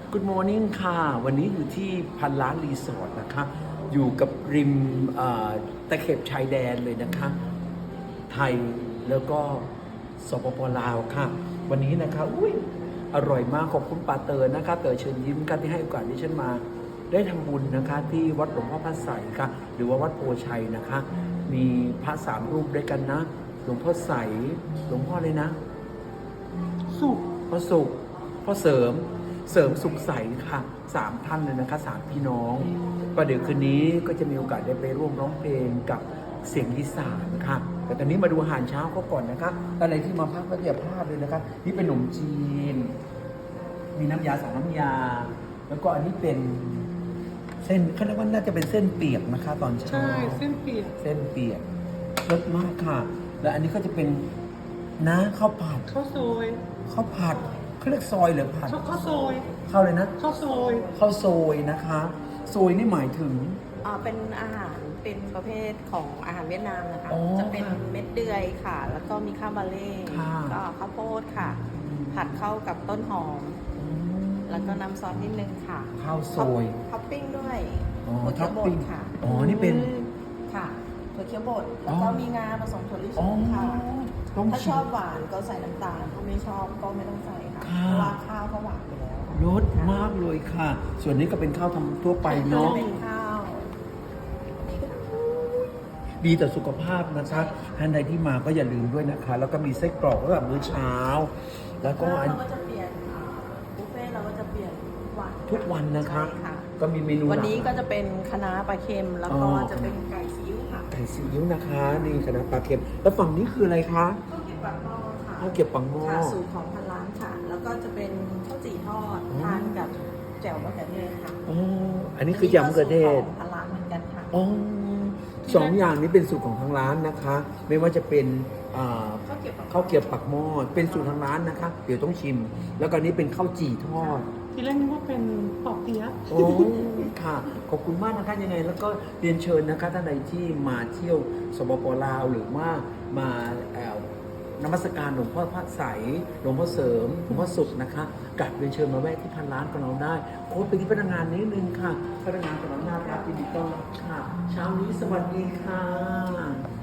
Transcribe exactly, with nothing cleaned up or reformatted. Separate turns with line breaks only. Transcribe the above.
Good morning ค่ะ วันนี้อยู่ที่พันล้านรีสอร์ทนะคะ อยู่กับริมเอ่อตะเข็บชายแดนเลยนะคะ ไทยแล้วก็สปปลาวค่ะ วันนี้นะคะอุ้ยอร่อยมากขอบคุณปาเตอร์นะคะ เต๋อเชิญยิ้มกันที่ให้โอกาสที่ฉันมาได้ทำบุญนะคะ ที่วัดหลวงพ่อพระไสยค่ะ หรือว่าวัดโพชัยนะคะ มีพระสามรูปด้วยกันนะ หลวงพ่อใสหลวงพ่อเลยนะ
สุข
พ่อสุขพ่อเสริมเสริมสุขใสค่ะสามท่านเลยนะคะสามพี่น้องประเดี๋ยวคืนนี้ก็จะมีโอกาสได้ไปร่วมร้องเพลงกับเสียงอีสานค่ะแต่ตอนนี้มาดูอาหารเช้าเขาก่อนนะคะอะไรที่มาพักก็อย่าพลาดเลยนะคะนี่เป็นขนมจีน มีน้ำยาสองน้ำยา แล้วก็อันนี้เป็นเส้นเขาเรียกว่าน่าจะเป็นเส้นเปียกนะคะ ตอนเช้า
ใช่เส้นเปียก
เส้นเปียกรสมากค่ะ แล้วอันนี้ก็จะเป็นน้าข้าวผัด
ข้าวซอย
ข้าวผัดเขาเรียกซอยหรือผัด
ข้าวข้าวซอย
ข้าวเลยนะ
ข้าวซอย
ข้าวโซยนะคะโซยนี่หมายถึง
อ่าเป็นอาหารเป็นประเภทของอาหารเวียดนามนะคะ
อ๋อ
จะเป็นเม็ดเดือยค่ะ แล้วก็มีข้าวบาเล่
ค่ะ
ก็ข้าวโพดค่ะ ผัดเข้ากับต้นหอม แล้วก็น้ำซอสนิดนึงค่ะ
ข้าวโซย
ท็อปปิ้งด้วย
อ๋อ
ถั่วเขียวบ
ท็อปปิ้
ด
ง
ค่ะ
อ๋อนี่เป็น
ค่ะถั่วเขียวบดแล้วก็
อ๋อ
มีงาผสมถั่วลิส
อ๋อง
ค่ะ
ต้อง
ถ้า
ชิ
ช
ม
อบหวานก็ใส่น้ำตาลถ้าไม่ชอบก็ไม่ต้องใส่ค่ะ
ค่ะ
เพราะว่าข้าวเขาหวานอยู่แล้ว
รสมากเลยค่ะ ส่วนนี้ก็เป็นข้าวทำทั่วไปเนาะ
เป็นข้าว
ดีต่อสุขภาพนะคะท่านใดที่มาก็อย่าลืมด้วยนะคะ แล้วก็มีไส้กรอกสำหรับมื้อเช้า แล้วก็
ก็
อัน
เราก็จะเปลี่ยนอ่าบุฟเฟ่ต์เราก็จะเปลี่ยนทุกวัน
ทุกวันนะคะ
ใช่ค่ะ
ก็มีเมนู
วันนี้
หลา
ก็
กหลาย
จะเป็นคะน้าปลาเค็ม แล้ว
อ๋
ก็
อ
จะเป็นไก่ซีอิ๊วค่ะ
ไก่ซีอิ๊วนะคะ นี่คณะปลาเค็ม แล้วฝั่งนี้คืออะไรคะ
ข้าวเกรี๊ยวปากหม้อค่ะ
ข้าวเกรี๊ยวปังหม้อ
ค่ะสูตรของพันล้านค่ะ แล้วก็จะเป็นข้าวจี่ทอด
อ๋อ
ทานกับแจ่วมะเขือเทศค่ะ
อ๋ออันนี้คือยำมะเขือเทศ
อันนี้ก็สูตรของพันล้านเหมือนกันค่ะ
อ๋อสองอย่างนี้เป็นสูตรของทางร้านนะคะ ไม่ว่าจะเป็นอ่า
ข้าวเกรี๊ยวปากหม้อ
ข้าวเกรี๊ยวปักหม้อเป็นสูตรทางร้านนะคะ เดี๋ยวต้องชิม แล้วก็อันนี้เป็นข้าวจี่ทอด
ทีแรกนึกว่าเป็นปอกเปี๊ยะ
โอ้ค่ะ ขอบคุณมากนะคะยังไง แล้วก็เรียนเชิญนะคะท่านใดที่มาเที่ยวสปปลาวหรือว่ามาเอ่อนมัสการหลวงพ่อพระไสยหลวงพ่อเสริมหลวงพ่อสุขนะคะกลับเรียนเชิญมาแวะที่พันล้านของเราได้โค้ดไปที่พนักงานนิดนึงค่ะพนักงานของเราน่ารักยินดีต้อนรับค่ะเช้านี้สวัสดีค่ะ